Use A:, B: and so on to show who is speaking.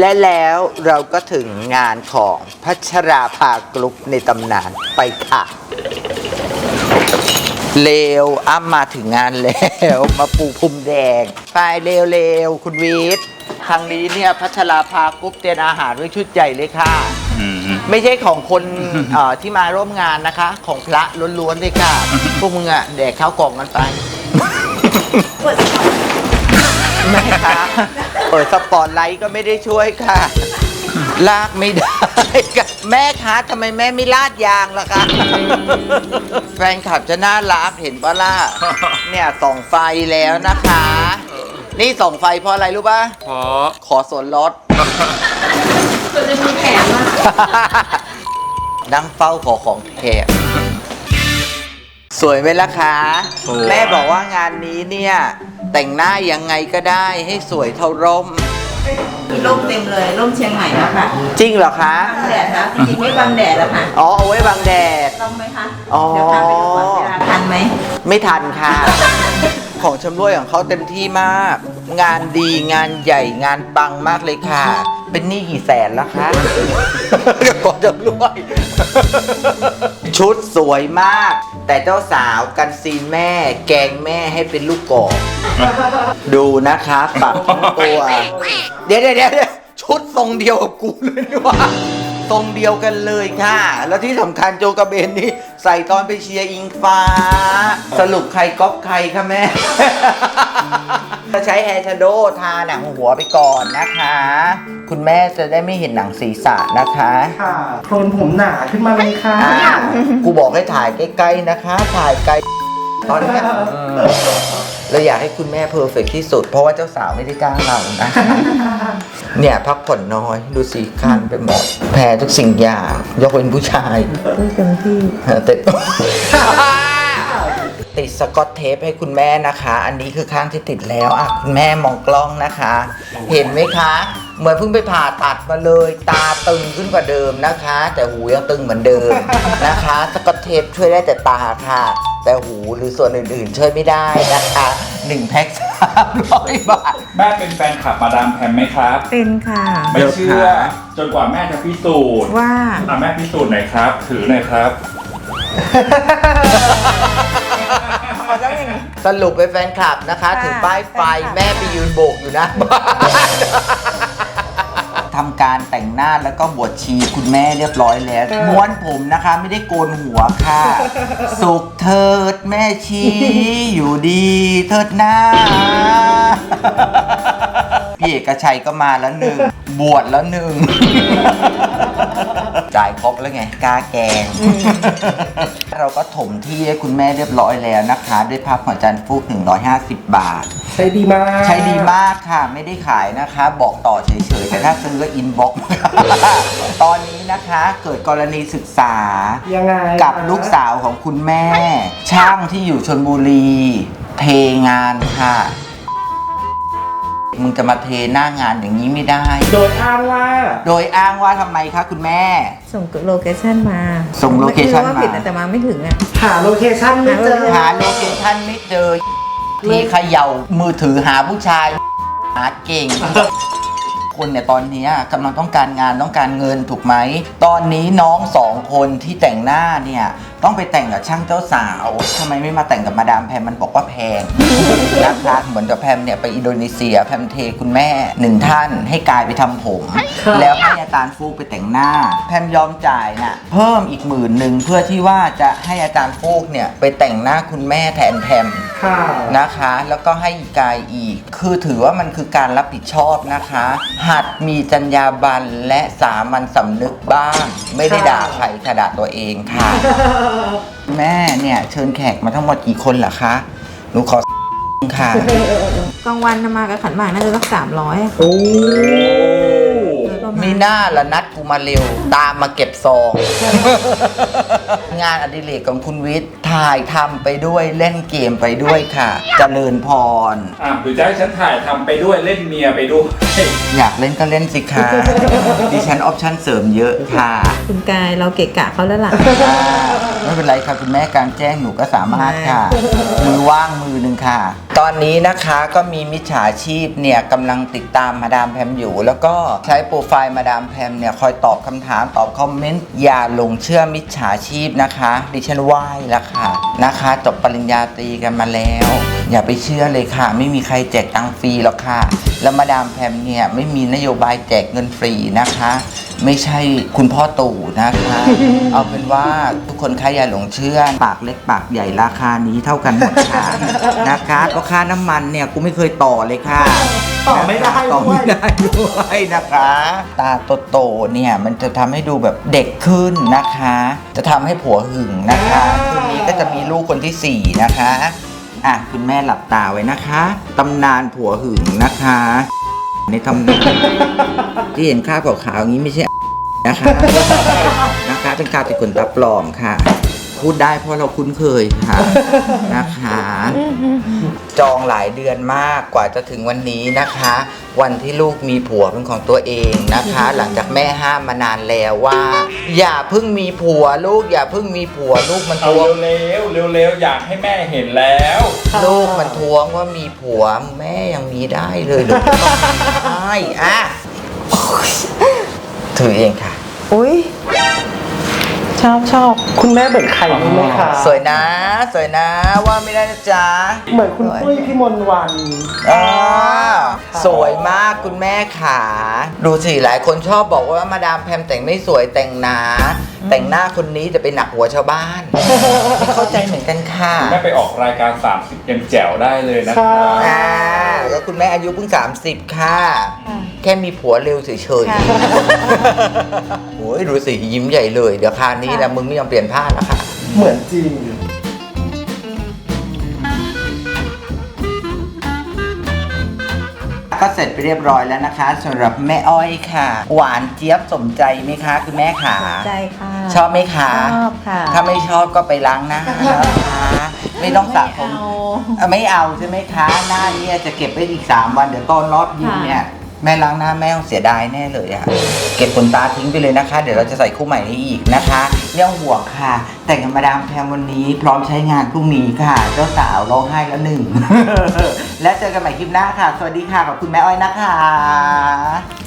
A: และแล้วเราก็ถึงงานของพัชราภากรุ๊ปในตำนานไปค่ะเร็วอ้ำมาถึงงานแล้วมาปูพรมแดงไปเร็วคุณวิทย์ครั้งนี้เนี่ยพัชราภากรุ๊ปเตรียมอาหารไว้ชุดใหญ่เลยค่ะไม่ใช่ของคนที่มาร่วมงานนะคะของพระล้วนๆเลยค่ะพวกมึงอะแดกข้าวกล่องกันไปแม่คะเปิดสปอตไลท์ก็ไม่ได้ช่วยค่ะลากไม่ได้ค่ะแม่คะทำไมแม่ไม่ลาดยางล่ะคะแฟนคลับจะน่ารักเห็นปะล่ะเนี่ยส่องไฟแล้วนะคะ นี่ส่องไฟเพราะอะไรรู้ป่ะ
B: เพราะ
A: ขอส่วนลด
C: จะมีแถมอ่ะ
A: นั่งเฝ้าขอของแถมสวยไหมล่ะคะแม่บอกว่างานนี้เนี่ยแต่งหน้ายังไงก็ได้ให้สวยเท่าร่ม
C: มีร่มเต็มเลยร่มเชียงใหม่แล้วค่ะ
A: จริงเหรอคะ
C: บังแดดนะจริงๆไม่บังแดดแล้วค่ะ
A: อ๋อเอาไว้บังแดด
C: ต้องไหมคะเดี๋ยวพาไปดูก่อนเวลาทันไหม
A: ไม่ทันค่ะของชำร่วยของเขาเต็มที่มากงานดีงานใหญ่งานปังมากเลยค่ะเป็นหนี้กี่แสนแล้วคะก่อนชำร่วยชุดสวยมากแต่เจ้าสาวกันซีนแม่แกงแม่ให้เป็นลูกกอกดูนะคะปรับทั้งตัวเดี๋ยวชุดทรงเดียวกับกูเลยนี่ว่าทรงเดียวกันเลยค่ะแล้วที่สำคัญโจกระเบนนี่ใส่ตอนไปเชียร์อิงฟ้าสรุปใครก๊อปใครคะแม่จะใช้แฮร์ชโดว์ทาหนังหัวไปก่อนนะคะคุณแม่จะได้ไม่เห็นหนังศีรษะนะคะ
D: ค่ะโคลนผมหนาขึ้นมาเลยค่ะ
A: กูบอกให้ถ่ายใกล้ๆนะคะถ่ายไกลตอนนี้เราอยากให้คุณแม่เพอร์เฟกต์ที่สุดเพราะว่าเจ้าสาวไม่ได้จ้างเรานะเนี่ยพักผ่อนน้อยดูสิคันไปหมดแพ้ทุกสิ่งอย่างยกเว้นผู้ชาย
C: เต็มที่
A: ติดสกอตเทปให้คุณแม่นะคะอันนี้คือข้างที่ติดแล้วอ่ะคุณแม่มองกล้องนะคะ เห็นไหมคะเหมือนเพิ่งไปผ่าตัดมาเลยตาตึงขึ้นกว่าเดิมนะคะแต่หูยังตึงเหมือนเดิมนะคะสกอตเทปช่วยได้แต่ตาค่ะแต่หูหรือส่วนอื่นๆช่วยไม่ได้นะคะ1แพ็ค300 บาท
B: แม่เป็นแฟนคลับมาดามแพมไหมครับ
C: เป็นค่ะ
B: ไม่เชื่อจนกว่าแม่จะพิสูจน์
C: ว่า
B: แม่พิสูจน์หน่อยครับถือหน่อยครับ
A: สรุปเป็นแฟนคลับนะคะถือป้ายไฟแม่ไปยืนโบกอยู่นะบ้านทำการแต่งหน้าแล้วก็บวชชีคุณแม่เรียบร้อยแล้วม้วนผมนะคะไม่ได้โกนหัวค่ะสุขเถิดแม่ชีอยู่ดีเถิดหน้าพี่เอกชัยก็มาแล้วหนึ่งบวชแล้วหนึ่งจ่ายครบแล้วไงกล้าแกงเราก็ถมที่ให้คุณแม่เรียบร้อยแล้วนะคะด้วยภาพของอาจารย์ฟูก150 บาท
D: ใช้ดีมาก
A: ใช้ดีมากค่ะไม่ได้ขายนะคะบอกต่อเฉยๆแต่ถ้าซื้อก็อินบ็อกซ์ตอนนี้นะคะเกิดกรณีศึกษา
D: ยังไง
A: กับลูกสาวของคุณแม่ช่างที่อยู่ชลบุรีเทงานค่ะมึงจะมาเทหน้างานอย่างนี้ไม่ได้
D: โดยอ้าง
A: ว่าทำไมคะคุณแม่
C: ส่งโลเคชั่นมา
A: ส่งโลเคชั่นมา
C: ผิดแต่มาไม่ถึงอ่ะ
D: หาโลเคชั่นไม่เจอ
A: ที่เขย่ามือถือหาผู้ชายหาเก่งคนเนี่ยตอนนี้กำลังต้องการงานต้องการเงินถูกไหมตอนนี้น้อง2 คนที่แต่งหน้าเนี่ยต้องไปแต่งกับช่างเจ้าสาวทำไมไม่มาแต่งกับมาดามแพมมันบอกว่าแพงนะคะเหมือนกับแพมเนี่ยไปอินโดนีเซียแพมเทคุณแม่1 ท่านให้กายไปทำผมแล้วให้อาจารย์ฟูกไปแต่งหน้าแพมยอมจ่ายน่ะเพิ่มอีก10,000เพื่อที่ว่าจะให้อาจารย์ฟูกเนี่ยไปแต่งหน้าคุณแม่แทนแพมนะคะแล้วก็ให้กายอีกคือถือว่ามันคือการรับผิดชอบนะคะหัดมีจรรยาบรรณและสามัญสำนึกบ้างไม่ได้ด่าใครค่ะด่าตัวเองค่ะแม่เนี่ยเชิญแขกมาทั้งหมดกี่คนล่ะคะหนูขอค่ะ
C: กลางวันมากับขันหมากน่าจะสัก300
A: ไม่หน้าละนัดกูมาเร็วตามมาเก็บซอง งานอดิเรกของคุณวิทย์ถ่ายทำไปด้วยเล่นเกมไปด้วยค่ะเจริญพร
B: หรือจะให้ฉันถ่ายทำไปด้วยเล่นเมียไปด้วย
A: อยากเล่นก็เล่นสิคะ ดิฉันออปชั่นเสริมเยอะค่ะ
C: คุณกายเราเกะกะเขาแล้วล่ะ
A: ไม่เป็นไรค่ะคุณแม่กลารแจ้งหนูก็สามารถค่ะ มือว่างมือหนึ่งค่ะ ตอนนี้นะคะก็มีมิจฉาชีพเนี่ยกำลังติดตามมาดามแพมอยู่ แล้วก็ใช้โปรไฟล์มาดามแพมเนี่ยคอยตอบคำถามตอบคอมเมนต์อย่าหลงเชื่อมิจฉาชีพนะคะดิฉันไหว้แล้วค่ะนะคะจบปริญญาตรีกันมาแล้ว อย่าไปเชื่อเลยค่ะ ไม่มีใครแจกตังค์ฟรีหรอกค่ะ แล้วมาดามแพมเนี่ยไม่มีนโยบายแจกเงินฟรีนะคะ ไม่ใช่คุณพ่อตู่นะคะ เอาเป็นว่าทุกคนใครอย่าหลงเชื่อปากเล็กปากใหญ่ราคานี้เท่ากันหมดค่ะ นะคะก็ค่าน้ำมันเนี่ยกูไม่เคยต่อเลยค่ะ
D: ต่อไม่ได้
A: ต่อ
D: ด้ว
A: ไม่
D: ย
A: ได้ด้วยนะคะ ตาโตๆเนี่ยมันจะทำให้ดูแบบเด็กขึ้นนะคะ จะทำให้ผัวหึงนะคะคืนนี้ก็จะมีลูกคนที่ 4 นะคะอ่ะคุณแม่หลับตาไว้นะคะตำนานผัวหึงนะคะ ในตำนานที่เห็นข้าวขาวๆอย่างนี้ไม่ใช่นะคะนะคะเป็นการติดขนตาปลอมค่ะ พูดได้เพราะเราคุ้นเคยค่ะนะคะ จองหลายเดือนมากกว่าจะถึงวันนี้นะคะ วันที่ลูกมีผัวเป็นของตัวเองนะคะ หลังจากแม่ห้ามมานานแล้วว่า อย่าเพิ่งมีผัวลูกอย่าเพิ่งมีผัวลูกมัน
B: เอา
A: ทวง
B: เร็วๆเร็วๆอยากให้แม่เห็นแล้ว
A: ลูกมันทวงว่ามีผัวแม่ยังมีได้เลยลูกก็ต้องมีได้อ่ะถือเองค่ะ
C: อุ้ยชอบ
D: คุณแม่เหมือนใครรู้ไหมคะ
A: สวยนะสวยนะว่าไม่ได้นะจ๊ะ
D: เหมือนคุณปุ้ยพี่มนต์วัน
A: อ่าสวยมากคุณแม่ขาดูสิหลายคนชอบบอกว่ามาดามแพมแต่งไม่สวยแต่งหนาแต่งหน้าคนนี้จะไปหนักหัวชาวบ้าน ไม่เข้าใจเหมือนกันค่ะ
B: แม่ไปออกรายการ 30ยังแจ๋วได้เลยนะครั
D: ค่ะ
B: บ
A: อ่าแล้วคุณแม่อายุเพิ่ง 30 ค่ะ แค่มีผัวเร็วเฉย
C: ค่ะ
A: ๆโอ้ยดูสิยิ้มใหญ่เลยเดี๋ยวคราวนี้นะมึงไม่ยอมเปลี่ยนผ้านะคะ
D: เหมือนจริง
A: ก็เสร็จไปเรียบร้อยแล้วนะคะสำหรับแม่อ้อยค่ะ หวานเจี๊ยบสมใจไหมคะคุณแม่ขา
C: ใจค่ะ
A: ชอบไหมคะ
C: ชอบค่ะ
A: ถ้าไม่ชอบก็ไปล้างหน้านะคะไม่ต้องสระผม ไม่เอาใช่ไหมคะ หน้าเนี่ยจะเก็บไว้อีก 3 วันเดี๋ยวตอนรอบยิงเนี่ยแม่ล้างหน้าแม่ต้องเสียดายแน่เลยอะเก็บขนตาทิ้งไปเลยนะคะ เดี๋ยวเราจะใส่คู่ใหม่ให้อีกนะคะเรื่องห่วงค่ะ แต่งกับมาดามแพมวันนี้พร้อมใช้งานพรุ่งนี้ค่ะ เจ้าสาวร้องไห้แล้วหนึ่ง และเจอกันใหม่คลิปหน้าค่ะ สวัสดีค่ะขอบคุณแม่อ้อยนะคะ